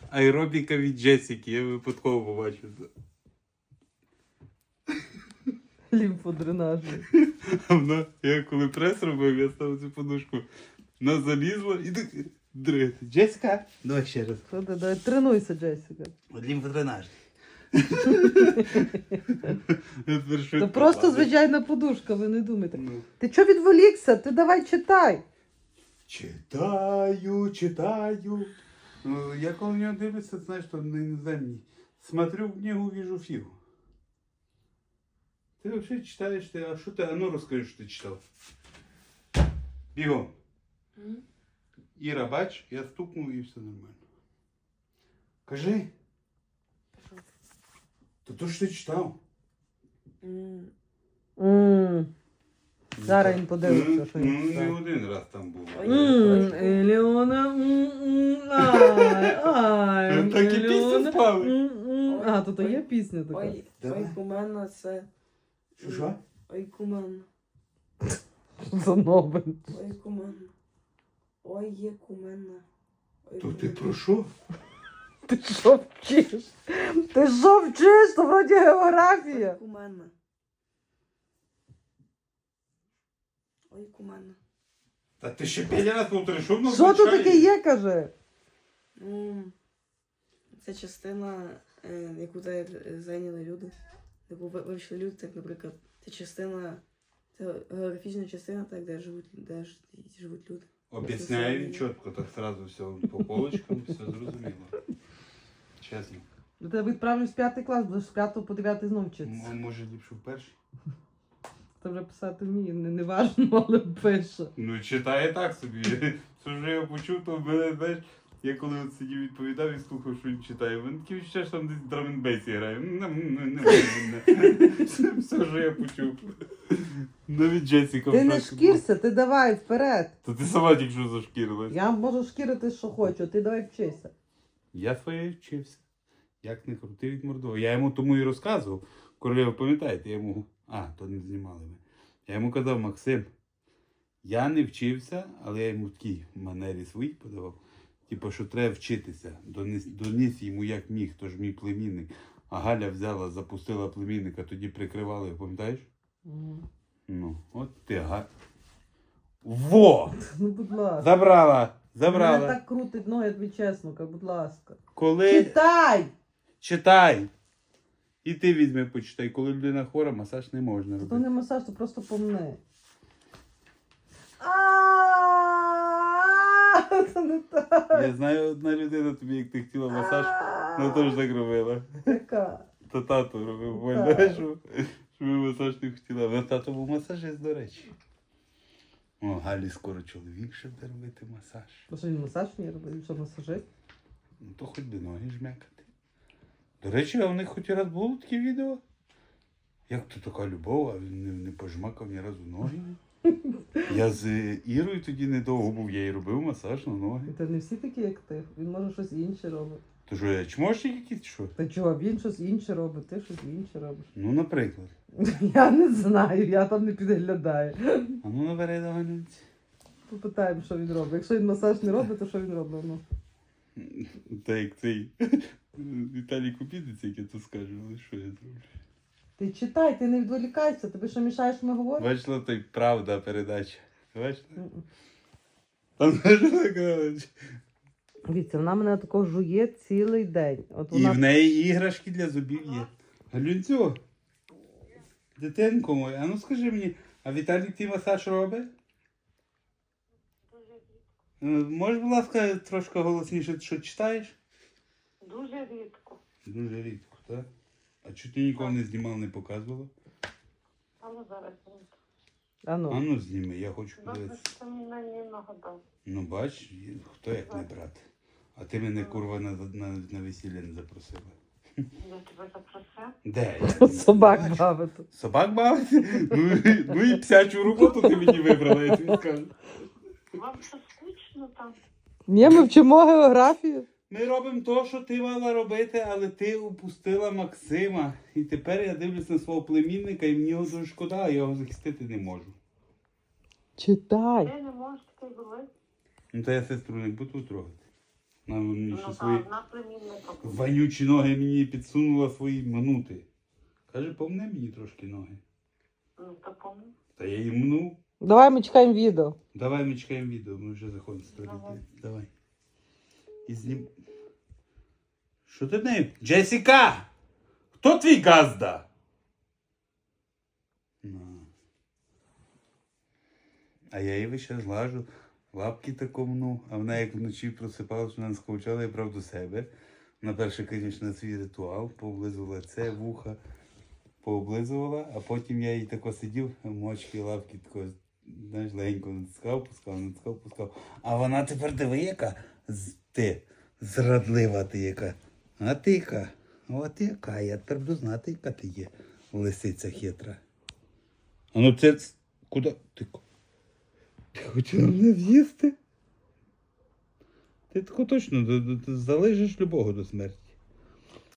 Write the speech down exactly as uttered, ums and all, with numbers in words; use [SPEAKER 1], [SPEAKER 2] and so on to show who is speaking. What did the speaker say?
[SPEAKER 1] аеробіка від Джесіки. Я випадково побачив це.
[SPEAKER 2] Лімфодренажі.
[SPEAKER 1] А вона, я коли прес робив, я став цю подушку. Вона залізла і так дригати. Джесіка, давай ще раз.
[SPEAKER 2] Що ти, давай, тренуйся, Джесіка.
[SPEAKER 1] Лімфодренаж.
[SPEAKER 2] Це просто звичайна подушка, ви не думайте.
[SPEAKER 1] Ну.
[SPEAKER 2] Ти чого відволікся? Ти давай читай.
[SPEAKER 1] Читаю, читаю. Ну, я коли в нього дивлюся, знаєш, що на іноземній. Смотрю в книгу, вижу фігу. Ти взагалі читаєш, ти, а що ти, а ну розкажи, що ти читав. Бігом.
[SPEAKER 3] Mm.
[SPEAKER 1] Іра, бач, я стукнув і все нормально. Кажи. То то що ти читав?
[SPEAKER 3] Mm.
[SPEAKER 2] М. Зараз він подивиться, що
[SPEAKER 1] Ну,
[SPEAKER 2] він
[SPEAKER 1] не
[SPEAKER 2] читав.
[SPEAKER 1] один раз там був.
[SPEAKER 2] М, Елеона, м, м, ай, ай,
[SPEAKER 1] Так і пісню
[SPEAKER 2] Елеона,
[SPEAKER 1] спали.
[SPEAKER 2] м, м. А, то то є пісня така.
[SPEAKER 3] Ой,
[SPEAKER 1] Давай.
[SPEAKER 3] ой, кумена, це...
[SPEAKER 1] Що, що?
[SPEAKER 3] Ой, кумена.
[SPEAKER 2] Що за новин?
[SPEAKER 3] Ой, кумена. Ой, є кумена. Ой,
[SPEAKER 1] То ти
[SPEAKER 3] кумена.
[SPEAKER 1] про що?
[SPEAKER 2] Ти що вчиш? Ти що вчиш? То вроді географія.
[SPEAKER 3] Ой, кумена. Ой, кумена.
[SPEAKER 1] Та ти ще п'ять раз повтори, що воно
[SPEAKER 2] Що тут
[SPEAKER 1] означає?
[SPEAKER 2] таке є, каже?
[SPEAKER 3] Ну, це частина, е, яку та- е, зайняли люди, яку ви- вивчили люди, так, наприклад, це частина, це географічна частина, так, де живуть, де ж- живуть люди.
[SPEAKER 1] Об'ясняю чітко, так сразу все по полочкам, все зрозуміло. Чесно.
[SPEAKER 2] До тебе відправлю з п'ятий клас, будеш з п'ятого по дев'ятий знов вчитися.
[SPEAKER 1] М- Може ліпше в перший?
[SPEAKER 2] Це вже писати вміє, не, не важно, але пише.
[SPEAKER 1] Ну, читає так собі. Це вже я почув, то в мене, знаєш, я коли от сидів відповідав і слухав, що він читає, в мене таке відчуття, що там десь драм-н-бейсі грає. Ну, не- не- не- Все, все вже я почув. Навіть Джесіка
[SPEAKER 2] Ти
[SPEAKER 1] в
[SPEAKER 2] не
[SPEAKER 1] шоці була.
[SPEAKER 2] шкірся, ти давай вперед.
[SPEAKER 1] То ти сама тільки що зашкірилась.
[SPEAKER 2] Я можу шкірити, що хочу, ти давай вчися.
[SPEAKER 1] Я своє вчився. Як не крути від Мордова. Я йому тому і розказував. Коли ви пам'ятаєте, я йому. А, то не знімали ми. Я йому казав, Максим, я не вчився, але я йому в такій манері своїй подавав. Типу, що треба вчитися. Доніс, доніс йому як міг, то ж мій племінник. А Галя взяла, запустила племінника, тоді прикривали, пам'ятаєш?
[SPEAKER 2] Мгм.
[SPEAKER 1] Ну, от ти га. Во!
[SPEAKER 2] Ну, будь ласка.
[SPEAKER 1] Забрала! Забрала.
[SPEAKER 2] Мене так крутить ноги, я тобі чесно, кажу, будь ласка.
[SPEAKER 1] Коли.
[SPEAKER 2] Читай!
[SPEAKER 1] Читай! І ти візьми, почитай. Коли людина хвора, масаж не можна
[SPEAKER 2] То
[SPEAKER 1] робити.
[SPEAKER 2] не масаж, то просто помни. Це не так.
[SPEAKER 1] Я знаю одна людина тобі, як ти хотіла масаж, вона теж так робила.
[SPEAKER 2] Яка?
[SPEAKER 1] То тато робив,
[SPEAKER 2] Так.
[SPEAKER 1] пам'ятаєш, що, що ви масаж не хотіла. Але тато був масажист, до речі. О, Галі скоро чоловік ще буде робити масаж.
[SPEAKER 2] То що він масаж не робить, що масажист?
[SPEAKER 1] Ну то хоч би ноги жмякати. До речі, а у них хоч раз було таке відео? Як то така любов, а він не, не пожмакав ні разу ноги. Я з Ірою тоді недовго був, я їй робив масаж на ноги.
[SPEAKER 2] Та не всі такі, як ти. Він може щось інше робить.
[SPEAKER 1] То що, я чмошник якийсь, що?
[SPEAKER 2] Та чого, він щось інше робить, ти щось інше робиш.
[SPEAKER 1] Ну, наприклад.
[SPEAKER 2] Я не знаю, я там не підглядаю.
[SPEAKER 1] А ну набери доганець.
[SPEAKER 2] Попитаємо, що він робить. Якщо він масаж не робить, то що він робить? Ну.
[SPEAKER 1] Та як цей Віталій Купідець, як я то скажу, але що я зроблю?
[SPEAKER 2] Ти читай, ти не відволікайся, тобі що мішаєш, ми говоримо?
[SPEAKER 1] Бачила, то й правда передача. Бачила?
[SPEAKER 2] Мгм.
[SPEAKER 1] Там знаєш, така.
[SPEAKER 2] Дивіться, вона мене такого жує цілий день. От
[SPEAKER 1] І
[SPEAKER 2] вона...
[SPEAKER 1] в неї іграшки для зубів є. Галюнцю, дитинко моя, а ну скажи мені, а Віталік твій масаж робить? Е, Можеш, будь ласка, трошки голосніше, що читаєш?
[SPEAKER 4] Дуже рідко.
[SPEAKER 1] Дуже рідко, так? А чого ти ніколи не знімала, не показувала?
[SPEAKER 4] Але зараз ні.
[SPEAKER 2] А ну.
[SPEAKER 1] А ну зніми, я хочу
[SPEAKER 4] Добре,
[SPEAKER 1] подивитися.
[SPEAKER 4] що ти мені нагадав.
[SPEAKER 1] Ну бач, хто як не брат. А ти мене, курва, на, на, на весілля не запросила.
[SPEAKER 4] Я тебе запросив.
[SPEAKER 1] Де? Я не
[SPEAKER 2] Собак
[SPEAKER 1] бачу.
[SPEAKER 2] бавити.
[SPEAKER 1] Собак бавити? Ну, і- ну і псячу роботу ти мені вибрала, я тобі скажу.
[SPEAKER 4] Вам що скучно там?
[SPEAKER 2] Ні, ми вчимо географію.
[SPEAKER 1] Ми робимо те, що ти мала робити, але ти упустила Максима. І тепер я дивлюсь на свого племінника і мені його дуже шкода, а я його захистити не можу.
[SPEAKER 2] Читай.
[SPEAKER 4] Ти не можеш таке зробити.
[SPEAKER 1] Ну то я сестру не буду трогати. Вона мені
[SPEAKER 4] Ну,
[SPEAKER 1] ще
[SPEAKER 4] та
[SPEAKER 1] свої
[SPEAKER 4] одна племінника була.
[SPEAKER 1] вонючі ноги мені підсунула свої минути. Каже, помне мені трошки ноги.
[SPEAKER 4] Ну, то помню.
[SPEAKER 1] Та я її мнув.
[SPEAKER 2] Давай ми чекаємо відео.
[SPEAKER 1] Давай ми чекаємо відео, ми вже заходимо з туалету.
[SPEAKER 4] Давай.
[SPEAKER 1] Давай. І знім. Що ти в неї? Джесіка! Хто твій газда? На. А я її ще злажу, лапки такому, а вона як вночі просипалась, вона сховчала і брав до себе. На перше, звісно, свій ритуал, пооблизувала це, вуха, пооблизувала, а потім я їй тако сидів, мочки, лапки тако, знаєш, легенько натискав, пускав, натискав, пускав. А вона тепер диви, яка з- ти, зрадлива ти яка. А ти яка? От яка, я тепер буду знати, яка ти є, лисиця хитра. А ну це, ц- куди? Ти, ко- ти хотіла мене з'їсти? Ти тако точно д- д- д- залежиш любого до смерті.